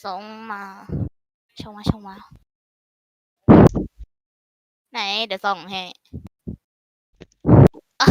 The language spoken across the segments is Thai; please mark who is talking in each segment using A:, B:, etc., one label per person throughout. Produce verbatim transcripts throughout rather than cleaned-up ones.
A: ส่งมาชงมาชงมาไหนเดี๋ยวส่องให้อ้าว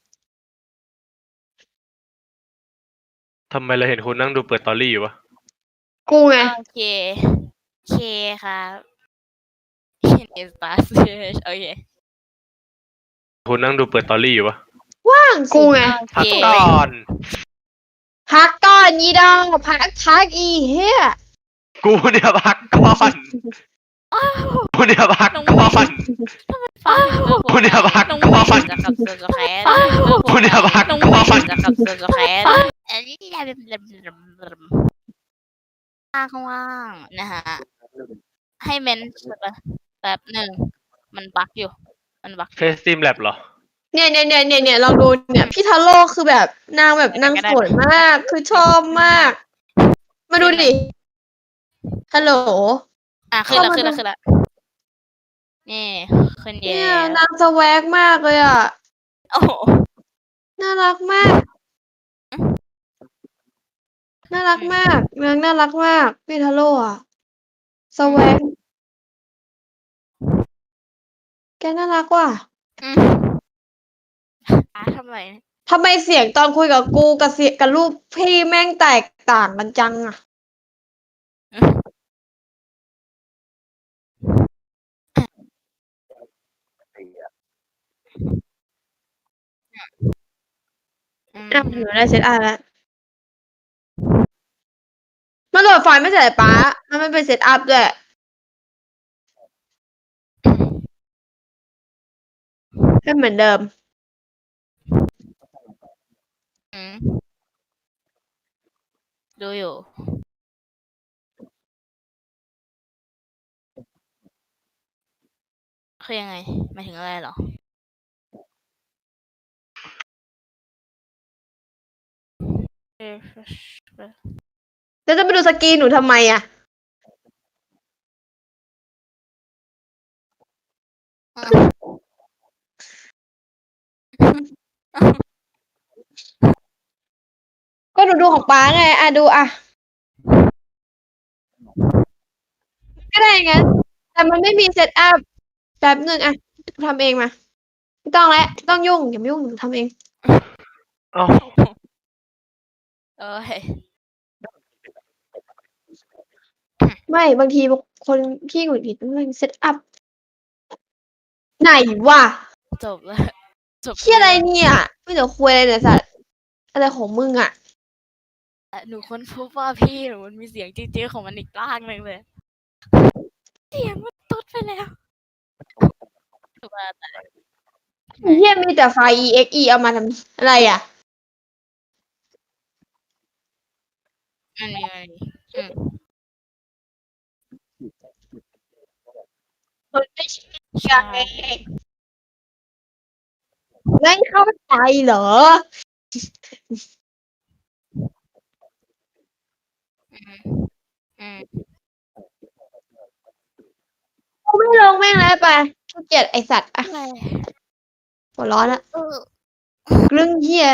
B: ทำไมเราเห็นคุณนั่งดูเปิดตอรี่อยู่วะ
C: กูไง
A: โอเคโอเคครับเห็นเอสตาร์โอเค
B: คุณนั่งดูเปิดตอรี่อยู่วะ
C: ว่างกูไง
A: โอ
B: พัก
A: เค
B: ก่อน
C: พักก่อนยีดองพักพักอีเฮีย
B: กูเนี่ยพักก่อน
A: อ้าว
B: กูเนี่ยพักก่อน
A: ฟัง
B: กูเนี่ยพัก
A: น้อง
B: ก่อน
A: จะกับเซอร์แคส
B: กูเนี่ยพัก
A: น้อง
B: ก่อน
A: จะกับเซอร์แคสอันนี้ข้างล่างนะฮะให้เมนแบบหนึ่งมันบักอยู่ มันบัก
B: เฟซซิมแลบเหรอ
C: เนี่ยเนี่ยเนี่ยเนี่ยเนี่ยลองดูเนี่ยพี่ทาโร่คือแบบนางแบบนางสวยมากคือชอบมาก มาดูดิฮัลโหล
A: อ่ะขึ้นแล้ว
C: เข้ามา
A: ขึ้นแล้ว
C: ดู
A: ขึ้นแล้วนี่ขึ้นเย
C: เนี่ย
A: อะ
C: นางสแวกมากเลยอ่ะ
A: โอ้โห
C: น่ารักมาก น่ารักมากนางน่ารักมากพี่ทาโร่อะสแวกแกน่ารักว่ะ
A: อืมอ่ะทำไม
C: ทำไมเสียงตอนคุยกับกูกับเสียงกับรูปพี่แม่งแตกต่างกันจังอ่ะ
A: อืม
C: อ่ะหนูได้เซตอัพแล้วมันโหลดไฟล์ไม่ใช่เหรอป๊ามันไม่เป็นเซตอัพด้วยให้เหมือนเดิม
A: อืมดูอยู่คือยังไงหมายถึงอะไรเหรอ
C: แล้วจะไปดูสกรีนหนูทำไมอ่ะ ก็หนูดูของป๊าไงอ่ะดูอ่ะก็ได้งั้นแต่มันไม่มีเซตอัพแป๊บหนึ่งอ่ะทำเองมาไม่ต้องแล้วไม่ต้องยุ่งอย่ามายุ่งหนูทำเอง
B: เอ้า
A: เอ้ย
C: ไม่บางทีคนขี้หงุดหงิดมันเซตอัพไหนวะ
A: จบแล้วจบ
C: เชี่ยอะไรเนี่ยไม่เดี๋ยวคุยอะไรเนี่ยสัตว์อะไรของมึงอ่ะ
A: หนูค้นพบว่าพี่หนูมันมีเสียงจี๊ดๆของมันอีกร่างหนึ่งเลย เสียงมันตุ๊ดไปแล้วถูกป่ะแต่
C: เฮียมีแต่ไฟล์ อี เอ็กซ์ อี เอามาทำอะไรอ่ะ
A: มันมีมันมีอืม
C: มันไม่ใช่
A: ใช่
C: ไม่เข้าใจเหรอ
A: อืมอืม
C: กูไม่ลงแม่งแล้วไปขี้เกียจไอสัตว์อ่ะ
A: อะไร
C: หัวร้อนละ
A: เออ
C: เรื่องเฮีย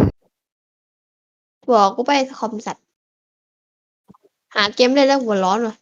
C: บอกกูไปคอมสัตว์หาเกมเล่นแล้วหัวร้อนว่ะ